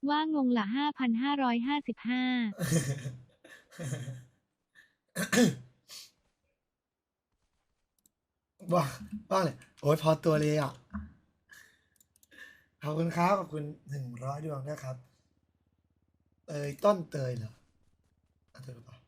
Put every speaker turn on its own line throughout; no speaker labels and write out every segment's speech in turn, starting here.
ว่างงละ5,555
ว่าว่าเลยโอ้ยพอตัวเลยอ่ะขอบคุณครับขอบคุณ100 ดวงนะครับเตยต้นเตยเหรออ่ะเธอหรือเปล่า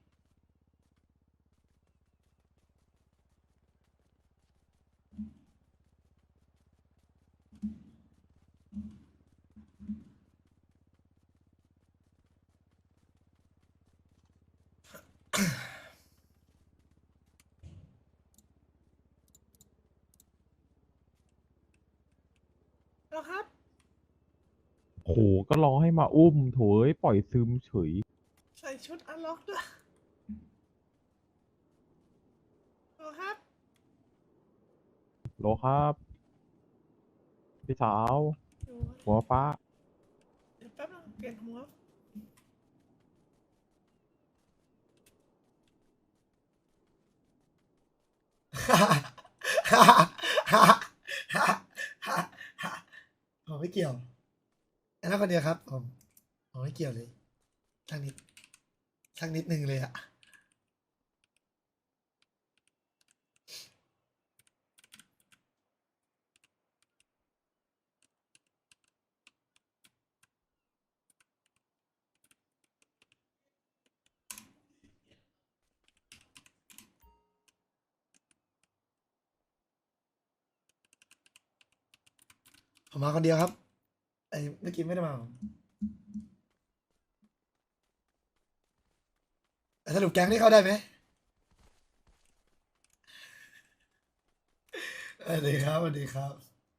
แล้วครับ
โหก็รอให้มาอุ้มโถยปล่อยซึมเฉย
ใส่ชุดอันล็อกด้วยแล้วครับ
โหลครับพี่สาว
อยู่
หัวฟ้า
เดี๋ยวแป๊บนึงเปลี่ยนหัว
ผมไม่เกี่ยวไอ้นั่นคนเดียวครับผมไม่เกี่ยวเลยสักนิดสักนิดหนึ่งเลยอ่ะผมมาคนเดียวครับไอ้เมื่อกี้ไม่ได้มาแต่สรุปแก๊งนี่เข้าได้ไหมสวัสดีครับสวัสดีครับ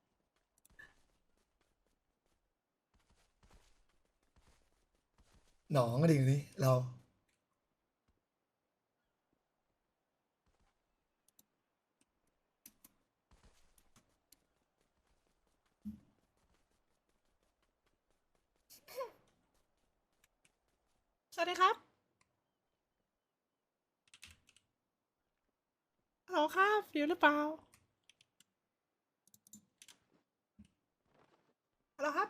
หนองก็ดีนี่เรา
สวัสดีครับฮัลโหลครับอยู่หรือเปล่าฮัลโหลครับ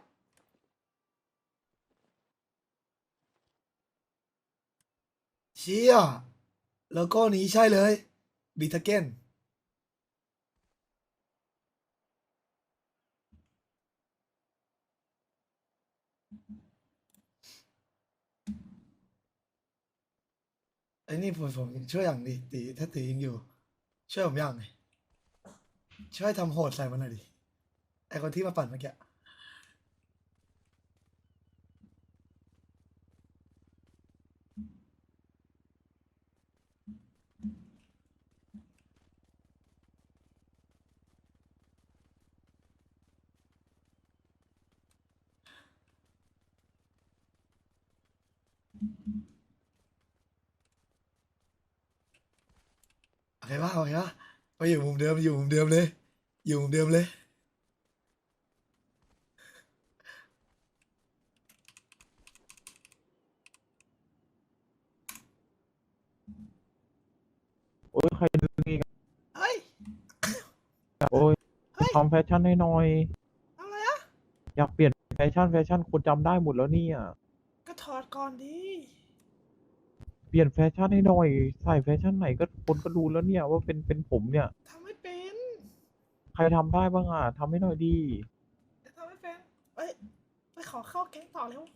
เชี่ยโลโก้นี้ใช่เลยบีทาเก้นไอ้นี่ผมช่วยอย่างดิตีถ้าตียังอยู่ช่วยผมอย่างหน่อยช่วยทำโหดใส่มันหน่อยดิไอคนที่มาปั่นเมื่อกี้โอเคป่ะโอเคป่ะไปอยู่มุมเดิมอยู่มุมเดิมเลยอยู่มุมเดิมเลย
โอ้ยใครดึงอีก
เฮ้ย
อะโอ้ย
เฮ้ย
ทำแฟชั่นให้หน่อย
ทำอะไรอะ
อยากเปลี่ยนแฟชั่นคนจำได้หมดแล้วเนี่ย
ก็ถอดก่อนดี
เปลี่ยนแฟชั่นให้หน่อย ใส่แฟชั่นไหนก็คนก็รู้แล้วเนี่ยว่าเป็นผมเนี่ย
ทำไม่เป็น
ใครทำได้บ้างอ่ะทำให้หน่อยดี
ทำไม่เป็นเอ้ยไปขอเข้าแก๊งต่อเร็ว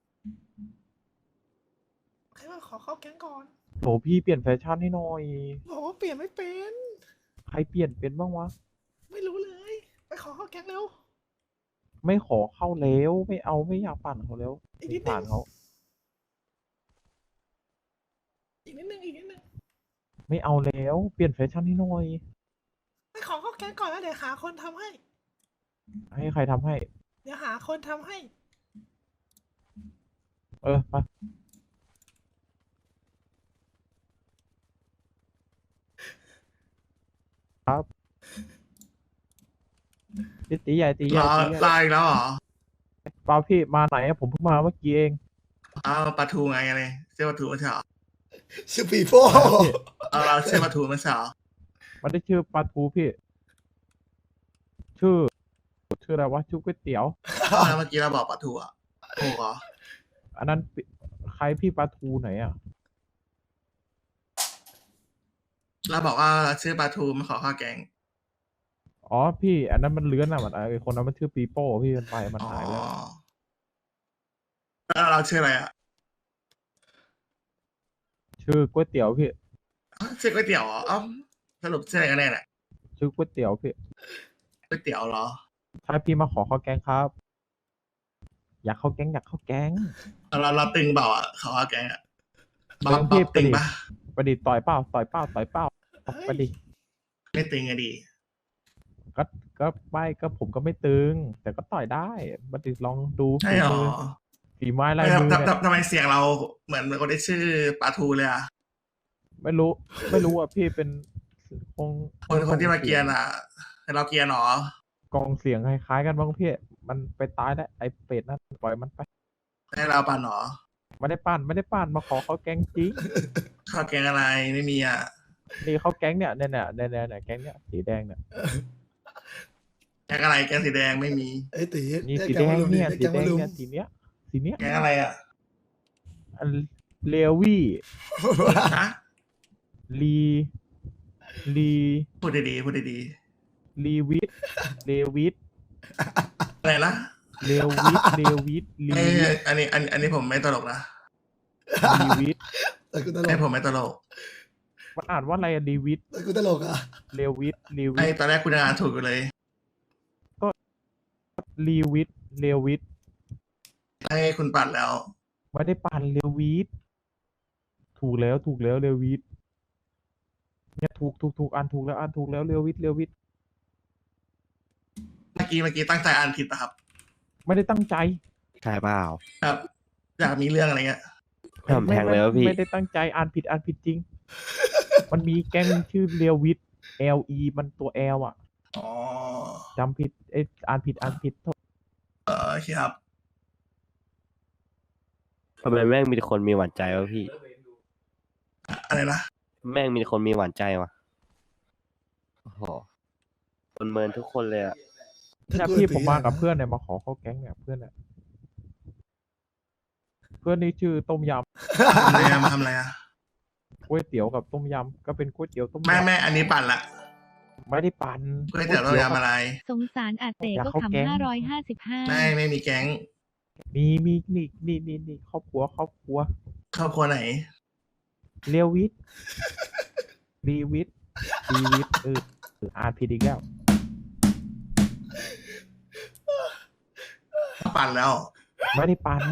ใครว่าขอเข้าแก๊งก่อน
โหพี่เปลี่ยนแฟชั่นให้หน่อย
บอกว่าเปลี่ยนไม่เป็น
ใครเปลี่ยนเป็นบ้างวะ
ไม่รู้เลย ไปขอเข้าแก๊งเร็ว
ไม่ขอเข้าแล้วไม่เอาไม่อยากปั่นเขาแล้ว
อีก
ส
นิ
ง
ดนึ
สาง รเขา
อีกนิดนึงอีกนิดนึง
ไม่เอาแล้วเปลี่ยนแฟชั่นให้หน่อย
ไปขอเข้าแก๊งก่อนแล้วเดี๋ยวหาคนทำให้
ให้ใครทำให้
เดี๋ยวหาคนทำให้
เออไปครับตีใหญ่ตีใหญ่
ลา
ตีใหญ่
ลาอีกแล้วเหรอ
เปล่าพี่มาไหนอะผมเพิ่งมาเมื่อกี้เอง
เอาปลาทูไงเลยเสื้อปลาทูไม่ใช่เหรอ
ชื่อปีโป้
เอาเราเสื้อปลาทูไม่ใช่เหรอ
มันได้ชื่อปลาทูพี่ ชื่ออะไรวะชื่อก๋วยเตี๋ยว
แล้วเมื่อกี้เราบอกปลาทูอ่ะถูกเหรอ
อันนั้นใครพี่ปลาทูไหนอ่ะ
เราบอกว่าเราชื่อปลาทูมาขอข้าวแกง
อ๋อพี่ อันนั้นมันเลื้อนอ่ะมันไอคนนั้นมันชื่อปีโป้พี่มันไปมัน
อ๋อ
หายไปแล้ว
แล้วเราชื่ออะไรอ่ะ
ชื่อก๋วยเตี๋ยวพี่
อ้าวชื่อก๋วยเตี๋ยวเหรออ้าวสรุปชื่ออะไรกันแน่เนี่ย
ชื่อก๋วยเตี๋ยวพี่
ก๋วยเตี๋ยวเหรอ
ใช่พี่มาขอข้าวแกงครับ อยากข้าวแกงอยากข้าวแกง
เราตึงเปล่าอ่ะขอข้าวแกงอ่ะบ๊อบ
ตึงพี่
ตึงปะ
ประดิษฐ์ต่อยเป้าต่อยเป้าต่อยเป้าไปดิ
ไม่ตึงอะดี
ก็ก็ไม่ก็ผมก็ไม่ตึง แต่ก็ต่อยได้ประดิษฐ์ลองดู
ใช่
ฝี
เหรอ
มือฝีไม้ลาย
ทำ
มือ
ทำ
เนี่ย
ทำทำไมเสียงเราเหมือนคนที่ชื่อปลาทูเลยอ่ะ
ไม่รู้อ่ะพี่เป็นคง
คนที่มาเกียร์อ่ะให้เราเกียร์หนอก
องเสียงคล้ายๆกันบ้างพี่มันไปตายแล้วไอ้เป็ดนั่นปล่อยมันไป
ให้เราปั่นหนอ
ไม่ได้ปั่นมาขอข้าวแกงจริง
ข้าวแกงอะไรไม่มีอ่ะ
นี่ข้าวแกงเนี่ยแกงเนี่ยสีแดงเนี่ย
แกงอะไรแกงสีแดงไม่มี
ไอ้ตี
นี่
เรียก
สี
แก
แด
ง
ง
มาลุมดิ
เนี่ย
เรียก
สี
แกง
แด
มาง ลุม
เนี่ยสีเนี้ย
แกงอะไรอ่ะ
อันเลวี่
ฮะ
ลี
พูดดีๆพูดดี
ลีวิทเลวิท
ๆอะไรนะ
เลวิทลี
เอ้ยอันนี้ผมไม่ตลกนะ
วิท
แต่กูตล
ไอ้
ก
ผมไม่ตลก
มันอ่านว่าอะไรอะลีวิท
แต่กูตลกอ่ะ
เลวิทลี
ไอ้
วิท
ตอนแรกคุณอ่านถูกอยู่เลย
ลีวิทเลวิท
ให้คุณปัดแล้ว
ไม่ได้ปั่นเลวิทถูกแล้วเลวิทเนี่ยถูกอ่านถูกแล้วเลวิท
เมื่อกี้ตั้งใจอ่านผิดป่ะครับ
ไม่ได้ตั้งใจ
ใช่เปล่า
แบบอยากมีเรื่องอะไรเงี้ย
ผมแทงเลยวะพี่
ไม่ได้ตั้งใจอ่านผิดจริง มันมีแก๊งชื่อเลวิท LE มันตัว L อ่ะ
อ๋อ
จำผิดอ่านผิดโทษ
โอเคครับ
ทำไมแม่งมีแต่คนมีหวานใจวะพี่
อะไรนะ
แม่งมีแต่คนมีหวานใจวะโอ้โหคนเมินทุกคนเลยอะ
เนี่ยพี่ผมมากับเพื่อนเนี่ยมาขอเข้าแก๊งเนี่ยเพื่อนเนี่ยเพื่อนนี่ชื่อต้มย
อะไรอะมาทำอะไรอ่ะ
ำก๋วยเตี๋ยวกับต้มยำก็เป็นก๋วยเตี๋ยวต้ม
แม่
ยำ
แม่อันนี้ปั่นละ
ไม่ได้ปั่น
ก๋วยเตี๋ยวเรายำอะไร
สงสารอาเต
อยาก
ก็
เข้าแก๊ง
ขำ555
ไม่มีแก๊ง
มีนี่ครอบครัว
ครอบครัวไหน
เรียววิทรีวิทอ่านผิดอีกแล้ว
ปั่นแล้ว
ไม่ได้ปั่น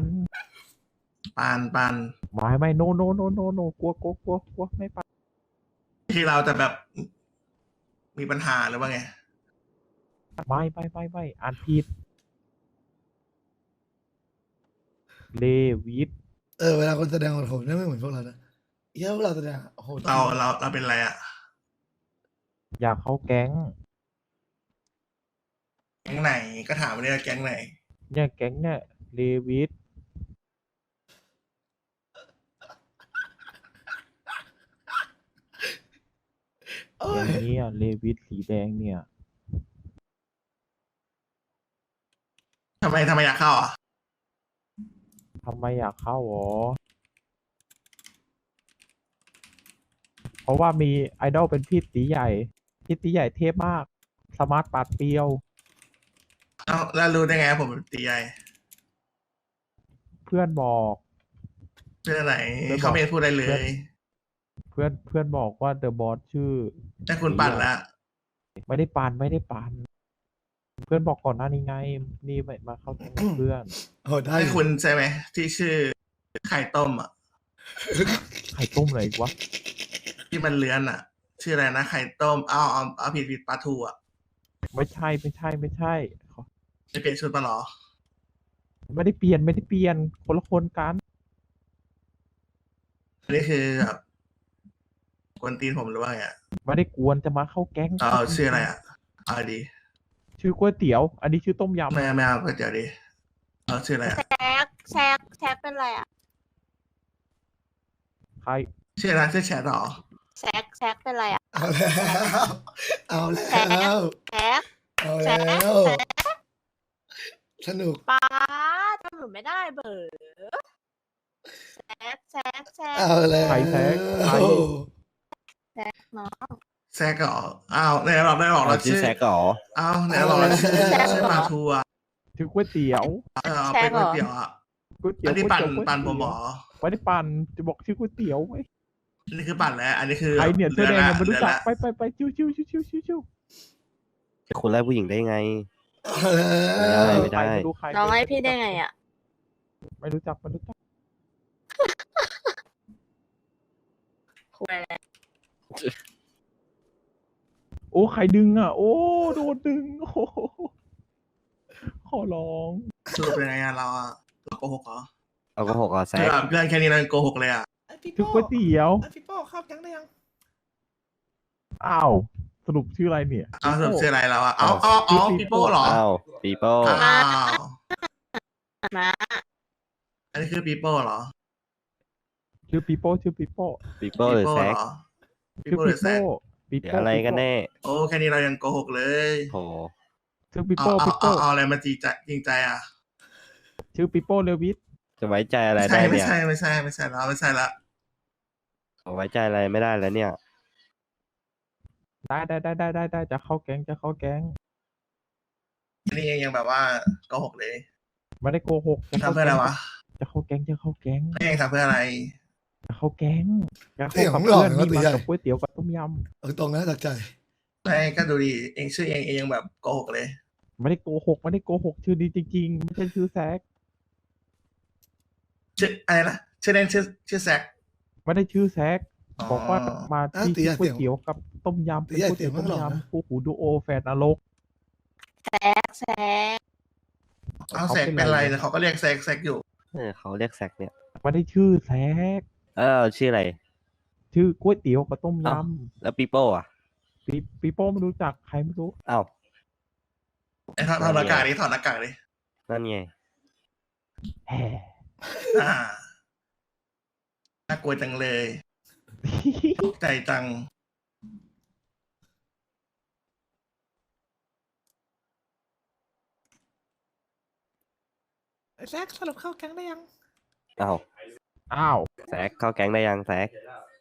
ปั่น
ไม่โนกลัวไม่ปั่น
ที่เราจะแบบมีปัญหาหรือว่าไง
ไม่อ่านผิดเลวิท
เวลาคนแสดงโหดเนี่ยไม่เหมือนพวกเรานะเยอะพวกเราแสดงโหด
เราเป็นอะไรอ่ะ
อยากเข้าแก๊ง
แก๊งไหนก็ถามมาเนี่ยแก๊งไหน
เนี่ยแก๊งเนี่ยเลวิท
โอ้
อย ย่างนี้เลวิทสีแดงเนี่ย
ทำไมอยากเข้าอ่ะ
ทำไมอยากเข้าหรอ เพราะว่ามีไอดอลเป็นพี่ตีใหญ่เทพมาก สมาร์ทปาดเปรียว
เอ้าแล้วรู้ได้ไงผมเป็นตีใหญ่
เพื่อนบอก
เพื่อนไหน
เพื่อนบอก
เขาไม่พูดอะไรเลย
เพื่อนบอกว่าเดอะบอสชื่อ
แต่คุณปั่นละ
ไม่ได้ปั่นเพื่อนบอกก่อนหน้านี้ไง นี่มาเข้าแก๊งกับเพื่อน
โหดได้
ให้คุณใช่ไหมที่ชื่อไข่ต้มอ่ะ
ไข่ต้มอะไรอีกวะ
ที่มันเลื้อนอ่ะ ชื่ออะไรนะไข่ต้มเอาผิดปลาทูอ่ะ
ไม่ใช่
จะเปลี่ยนชุดมาเหรอ
ไม่ได้เปลี่ยนคนละคนกัน
อันนี้คือแบบกวนตีนผมหรือว่าไงอะ
ไม่ได้กวนจะมาเข้าแก๊ง
เอาชื่ออะไรอ่ะเอาดี
ชื่อก๋วยเตี๋ยว อันนี้ชื่อต้มยำ
ไม่เอาก๋วยเตี๋ยวดิเอาชื่ออะไรอ่ะ
แชกเป็นไรอ่ะ
ใคร
ชื่ออะไรชื่อแชทเหรอ
แชกเป็นไรอ่ะ
เอาแล้ว
แชก
เอาแล้วสนุก
ป้าทำหนูไม่ได้เบอร์แซก
เอาแล้ว
ใครแซกใคร
น้อง
แซกเหรออ้าวไหนเราได้บอกเรา
ชื่
ชื่
อ
อ
แซกเหรอ
อ้าวไหนเราบอกเราชื่อ
แซกเหรอ
ชื่อปลาทูอ่ะ
ชื่อก๋วยเตี๋ยว
เป็นก๋วยเตี๋ยวอ่ะ
ก๋วยเตี๋ย
อั
วน
นี้
ก๋วย
ปั่น
เตี๋ยว
ปั่นผมหมอ
ไม่ได้ปั่นจะบอกชื่อก๋วยเตี๋ยวไหม
อันนี้คือปั่นแล้ว อันนี้คือ
ใครเนี่ยเสื้อแดงยังไม่รู้จัก
เดือนละ
ไปชิวชิว
จะคุณไล่ผู้หญิงได้ไง
เอาแล้ว
ไม่ได้
ไม่รู้ใคร
น้องให้พี่ได้ไงอ่ะ
ไม่รู้จัก
คุยอะไร
โอ้ใครดึงอ่ะ โอ้โดนดึงโอ้โหขอร้อง
สรุปเป็นไงอะเราอะเราโกหกเหรอ
เอาก็หกอ่ะแซ
คือก แบบเรื่องแค่นี้เราโกหกเลยอะ
ไอพี่
ชื่อ
โป้
ก๋วยเตี๋ยว
ไอพี่โป้เข้ายังได้ยัง
อ้าวสรุปชื่ออะไรเนี่ย
เอาสรุปชื่ออะไรเราอะเอาปีโป้เหรอ
อ้าวปีโป้
อ้าว
นะ
อันนี้คือปีโป้เหรอ
ชื่อปีโป้
ปีโป้หรือแซก
ปี
ชื่อ
โป้ห
ปี
รือแซ
โป้
ก
ปี
เดี๋ยว
โป้
อะไรกันแน่
โอ้แค่นี้เรายังโกหกเลย
โห
ชื่อปี
เอา
โป้
เอาอะไรมาจริงใจอะ
ชื่อปีโป้เลวิส
จะไว้ใจอะไร
ไม่
ได้
ใช่ไม่
เนี่ย
ใช่ไม่ใช่ไม่ใช่แล้วไม่ใช่ละ
ไว้ใจอะไรไม่ได้แล้วเนี่ย
ได้จะเข้าแก๊ง
อันนี้ยังแบบว่าโกหกเลย
ไม่ได้โกหก
ทำเพื่ออะไรวะ
จะเข้าแก๊ง
ไม่ยังทำเพื่ออะไร
จะเข้าแก๊งจะ
เสี
เข้าย
ง
กับ
หล่อ
เพื่อน
นะ
นี่
ตี
มา
ใหญ่
กับก๋วยเตี๋ยวกับต้มย
เอาตรงนะจากใจ
ไม่ก็ดูดิเองชื่อเองยังแบบโกหกเลย
ำไม่ได้โกหกชื่อดีจริงๆไม่ใช่ชื่อแซก
ชื่ออะไรนะชื่อเล่นชื่อแซก
ไม่ได้ชื่อแซก
อ๋อ
บอกว่ามา
อ่ะ
ที่
ตีใหญ่
ก๋วยเตี๋ยวกับต้มยำ
ตีใหญ่
ก๋วยเตี๋ยว
เสียงมัน
ต้ม
หล่อนะ
ยำคู่หูดูโอแฟนนรก
แซก
เอาแซกเป็นไรนะเขาก็เรียกแซกอยู่
เขาเรียกแซกเนี่ย
ไม่ได้ชื่อแซก
ชื่ออะไร
ชื่อก๋วยเตี๋ยวกับต้มย
อ้าว แล้วปีโป้อ่ะ
ำปีโป้ไม่รู้จักใครไม่รู้
อ้าว
ไอ้ถอดหน้ากากดิถอดหน้ากากดิ
นั่นไง
แห่
อ่าน่ากลัวจังเลยตกใจจัง
ไอแซกสรุปเข้าแก๊งได้ยัง
อ้าว
อ้าว
แซกเข้าแก๊งได้ยังแซก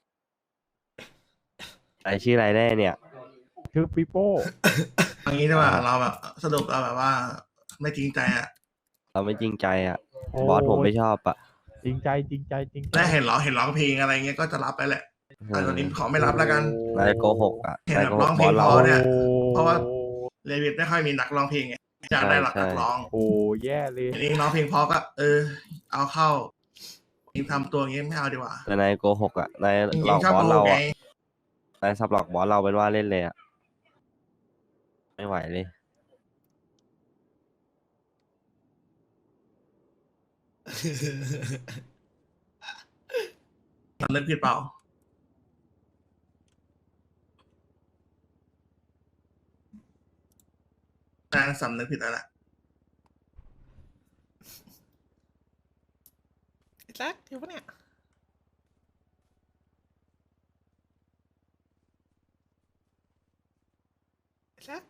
ไอชื่ออะไรแน่เนี่ย
ชื่อปีโป้
อย่างนี้ได้ป่ะเราแบบสรุปเราแบบว่า ไม่จริงใจอะ
เราไม่จริงใจอ่ะ
โอ้
บอสผมไม่ชอบอ่ะ
จริงใจ
และเห็นร้องเพลงอะไรเงี้ยก็จะรับไปแหละแต่ตอนนี้ขอไม่รับแล้วกัน
นายโกหกอ่ะ
เห็น
นาย
แบบ
โกห
ร้อก ง
บ
เพล
อง สเรา
พอเนี่ย เพราะว่า เลวิทไม่ค่อยมีนักร้องเพลงไงอยากได้หลักนักร้อง
โอ้แย่เลย
เห็นเองร้องเพลงเพอก็เอาเข้าเองทำตัวอย่างงี้ไม่เอาดีกว่า
แต่นายโกหกอ่ะนาย
เอง
หลอก
ชอบบ
อส
โก
เรา
ไง
อ่ะนายสับหลอกบอสเราเป็นว่าเล่นเลยอ่ะ ไม่ไหวเลย
สำนึกผิดเปล่าสำนึกผิดแล้วแหละ
ไอแซกอยู่ปะเนี่ยไอแซก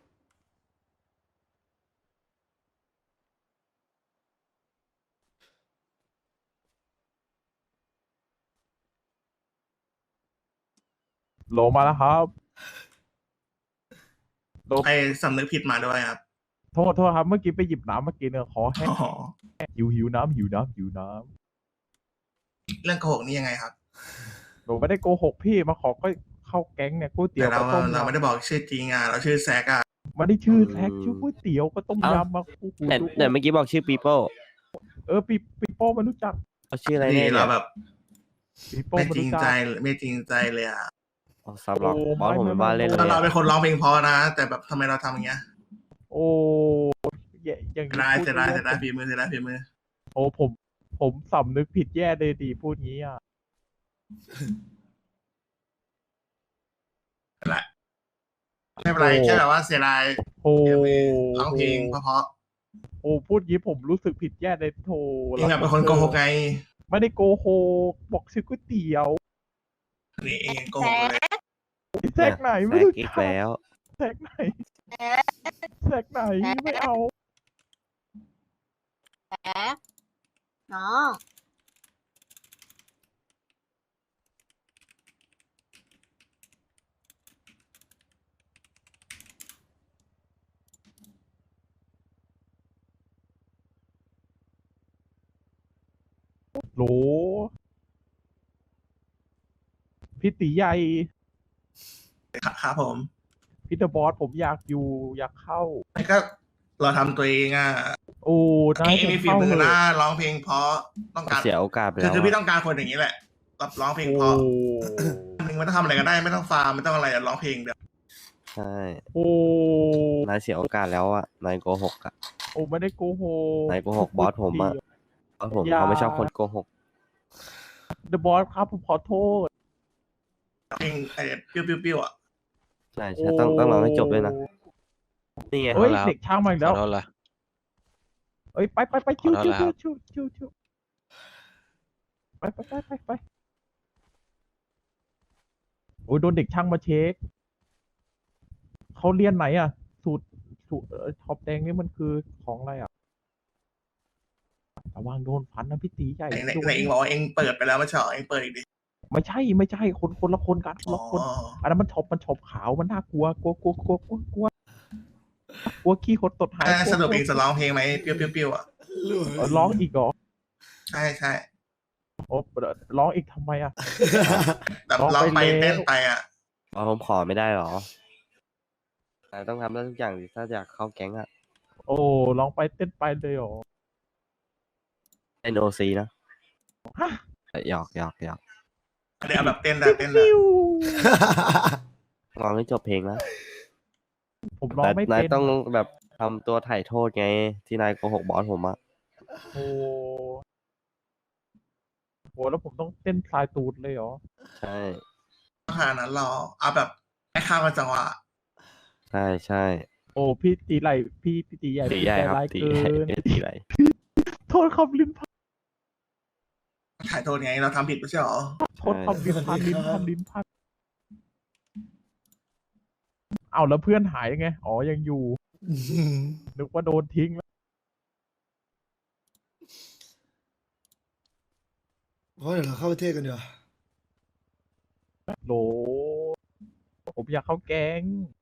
โลมาแล้วครับโล
ไอ้สำนึกผิดมาด้วยครับ
โทษครับ เมื่อกี้ไปหยิบน้ำมากินเนี่ยขอแห้ง
อ๋อ
หิวน้ำ
เรื่องโกหกนี่ยังไงครับ
หนูไม่ได้โกหกพี่มาขอก็เข้าแก๊งเนี่ยก๋วยเตี๋
แต่
ยว
เรา
กับต้ม
เราไม่
ยำ
ได้บอกชื่อจริงอ่ะเราชื่อแซกอ่ะ
ไม่ได้ชื่อแซกชื่อก๋วยเตี๋ยวกับต้มยำมาคู่หู
แต่
ดู
แต่เมื่อกี้บอกชื่อปีโป้
ปีโป้ไม่รู้จัก
เขาชื่ออะไร
นี่
เนี่ย
เราแบบ
ปีโป้
ไม่
ไม่
จริง
รู้จัก
ใจไม่จริงใจเลยอ่ะ
เอาสับหลอก
โอ้
บอสผม
ไม่
เป็นว่าเล่น
ไม่
เลย
เรา
อะ
เป็นคนร้องเพลงเพอนะ แต่แบบทำไมเราทำอย่างเงี้ย
โอ้อย่างนี้
ได้
พู
เสียดาย
แย่
เสียดายฝีมือเสียดายฝีมือ
โอ้ผมสำนึกผิดแย่เลยดีพูดงี้อ่ะ
แหละไม่เป็นไรแค่แบบว่าเสียดาย
โอ้
ร้องเพลงเพราะ
โอ้พูดงี้ผมรู้สึกผิดแย่เลยโท
ๆเองแบบเป็นคนโกหกไง
ไม่ได้โกหกบอกชื่อก๋วยเตี๋ยว
นี่เองโกหกเลย
แซกไหน
แซ
ไม่
ก
รู้
อีก
จัก
แล้ว
แซกไหนแซกไหนไม่เอา
แซก
น้อง
โหลพี่ตีใหญ่
ครับผม
พี่เดอะบอสผมอยากอยู่อยากเข้า
มันก็เราทำตัวเองอ่ะ
โอ้นาย
เอง
ผม
มีฝี
เข้า
มื
เถ
อนะ
อะ
ร้องเพลงเพราะต้องการ
เสียโอกาสไป
คื
แล้
อ
ว
คือพี่
อะ
ต้องการคนอย่างนี้แหละรับร้องเพลง
โอ้
เพราะวันหนึ่งไม่ต้องทำอะไรก็ได้ไม่ต้องฟาร์มไม่ต้องอะไรอะร้องเพลงเดียว
ใช่
โอ้
นายเสียโอกาสแล้วอะนายโกหกอะ
โอ้ไม่ได้โกหก
นายโกหกบอสผมอะบอสผม
อย่า
เขาไม่ชอบคนโกหก
เดอะบอสครับผมขอโทษ
เพลงไอ้ปิ้วๆอ่ะ
ใช่ใช่ต้องร้องให้จบด้วยนะ นี่ไง
เฮ้ย
ขอโทษ
เด็กช่างมาอีก
ข
แล้
อ
ว
โทษละ
เอ้ยไป
ขอ
ชิว
โทษนะครับ
ชิวไปโอ้ยโดนเด็กช่างมาเช็คเขาเรียนไหนอ่ะ สูตรท็อปแดงนี่มันคือของอะไรอ่ะระวังโดนฟันนะพี่ตีใหญ่
ไหน
โดน
ไหนเองบอกว่าเองเปิดไปแล้วไม่ใช่เหรอเองเปิดอีกดิ
ไม่ใช่คนละคนกันคน
อ๋อ
ละคนอันนั้นมันช็อปขาวมันน่ากลัวกลัวขี้หดตดหาย
สรุปเองจะร้องเพลงไหมปิ้วๆอ่ะ
ร้องอีกเหรอ
ใช่ใช่
โอ้ร้องอีกทำไมอ่ะ
แบบ
ร้อง
ร้อง
ไป
ไป
แล้ว
เต้นไปอ่ะ
บอสผมขอไม่ได้หรอนายต้องทำได้ทุกอย่างดิถ้าอยากเข้าแก๊งอะ
โอ้ร้องไปเต้นไปเลยเหรอ
NOC นะ
ฮะ
หยอก
เดี๋ยวเอาแบบเต้นนะเต้นนะ
ฟิว
ร้องให้จบเพลงนะ
ผมร้องไม่
นาย
เป็น
ต้องแบบทำตัวถ่ายโทษไง ที่นายโกหกบอสผมอะ
โอ้โหแล้วผมต้องเต้นสายตูดเลยเหรอ
ใช่
ขนาดนั้นหรอเอาแบบให้ข้ามกันจังหวะ
ใช่
โอ้พี่ตีไหลพี่ตีใหญ่
ตี
พี่
ใหญ่
ใจ
ครับ
ร้าย
ตี
เกิ
ใหญ่
น
ตีใหญ่
โทษครับลิ้นพัน
ถ่ายโทษไงเราทำผิดไม่ใช่เหรอ
โทษครับลิ้นพันเอาแล้วเพื่อนหายยังไงอ๋อยังอยู่นึกว่าโดนทิ้งแล้ว
เพราะเดี๋ยวเราเข้าประเทศกันเดี๋ยวา
โหลผมอยากเข้าแก๊ง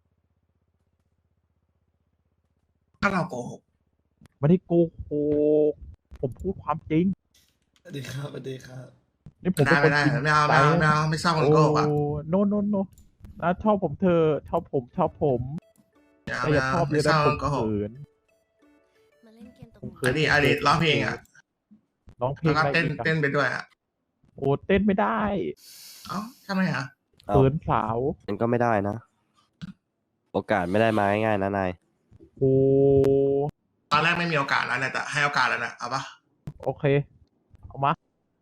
ถ้าเราโกหก
ไม่ได้โกหกผมพูดความจริง
สวัสดีครับสวัสดีครับ
นี่ผมเป็นคน
ไม่ได้
จริง
ไม่เอา
ใจ
ไม่ชอบคนโกหกอ่ะ
โอ้โนนะชอบผมเธอชอบผม แต่อย่าชอบเล
ไม่
ย
ช
นะ
อบ
ผ
ค
ม
นโกหก
เขิน
มาเล่นเกมตก
ผม
ห
เขิ
อน ดีอดีตร้องเพลงอ่ะ
ร้องเพล
แล้ว
ง
ก็
อะไร
เต้น
อีกอะ
เต้นไปด้วยอ่ะ
โอ้เต้นไม่ได้
เอ้าทำไมอ่ะ
เอา
เขินสาว
มันก็ไม่ได้นะ โอกาสไม่ได้มาง่ายๆนะนาย
โอ้
ตอนแรกไม่มีโอกาสแล้วเนี่ยแต่ให้โอกาสแล้วนะเอาปะ
โอเค เอามา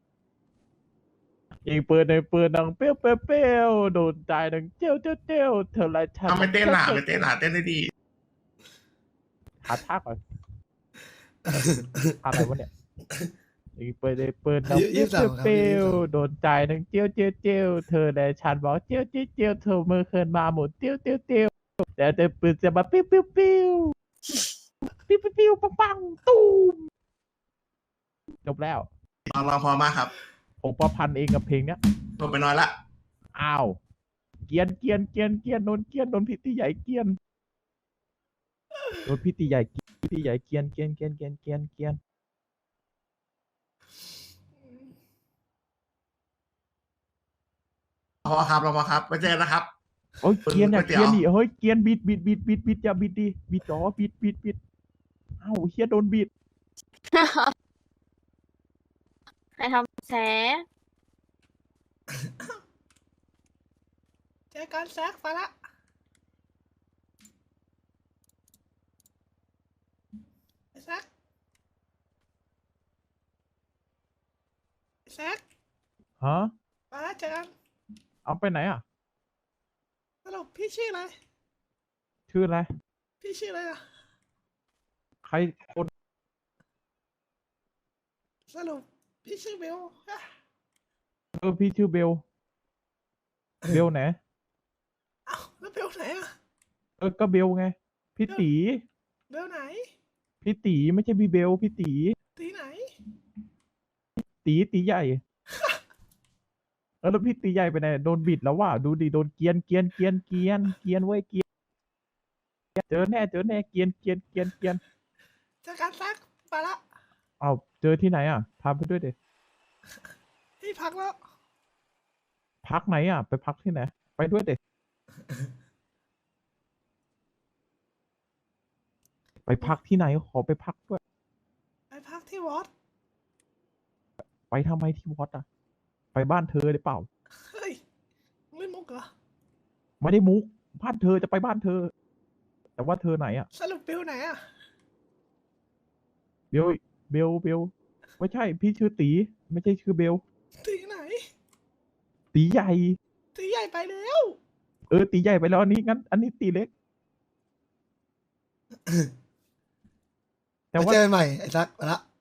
ยิงปืนในปืนดังเปี้ยวโดนใจดังเจียวเธอไรฉัน
เอาไม่เต้นหนาไม่เต้นหนาเต้นได้ดี
หาท่าก่อนอะไรวะเนี่ยยิงปืนในปืนดังเปี้ยวโดนใจดังเจียวเธอและฉันบอกเจียวเธอมือเคินมาหมดเจียวแต่ปืนจะมาปิ้วปังตูมจบแล้ว
ลองพอมากครับ
ผมประพันธ์เองกับเพลงเนี้ย
ลงไปน้อยละ
อ้าว เกียนโดนพี่ตีใหญ่เกียนโดนพี่ตีใหญ่เกียน
พอครับลองพอครับไว้เจอกันนะครับ
โอ้ยเกียนอย่า
ก๋วยเตี๋ยว
เกียนดิเฮ้ยเกียนบิดอย่าบิดดิบิดจ๋อบิดอ้าวเฮียโดนบิด
ใครทำแส
เจอกันแซกไปละไอ้แซก
ฮะ
ไปละเจอกัน
เอาไปไหนอ่ะ
สรุปพี่ชื่ออะไร
ชื่ออะไร
พี่ชื่ออะไรอ่ะ
ใครคน
สรุปพี่ชื่อเบลฮะ
พี่ชื่อเบลไหน
เอ้าแล้วเบลไหนอ่ะ
ก็เบลไงพี่ตี
เบลไหน
พี่ตีไม่ใช่พี่เบลพี่ตี
ตีไหน
ตีใหญ่ แล้วพี่ตีใหญ่ไปไหนโดนบิดแล้วว่ะดูดิโดนเกรียนเว้ยเกรียนเจอแน่เกรียน
เจอกันแซกไปละ
เอาเจอที่ไหนอ่ะพาไปด้วยเด็
ที่พักแล้ว
พักไหนอ่ะ ไปพักที่ไหนไปด้วยเด็ไปพักที่ไหนขอไปพักด้วย
ไปพักที่วัด
ไปทำไมที่วัดอ่ะ ไปบ้านเธอได้เปล่า
เฮ้ยมึงเล่นมุกเหรอ
ไม่ได้มุกบ้านเธอจะไปบ้านเธอ แต่ว่าเธอไหนอ่ะ
สรุปบิลไหนอะ
เบลไม่ใช่พี่ชื่อตีไม่ใช่ชื่อเบล
ตีไหน
ตีใหญ่
ตีใหญ่ไปแล้ว
ตีใหญ่ไปแล้วอันนี้งั้น อันนี้ตีเล็ก แต่
มา
ว่า
เจอกันใหม่ไอ้ซักไปละ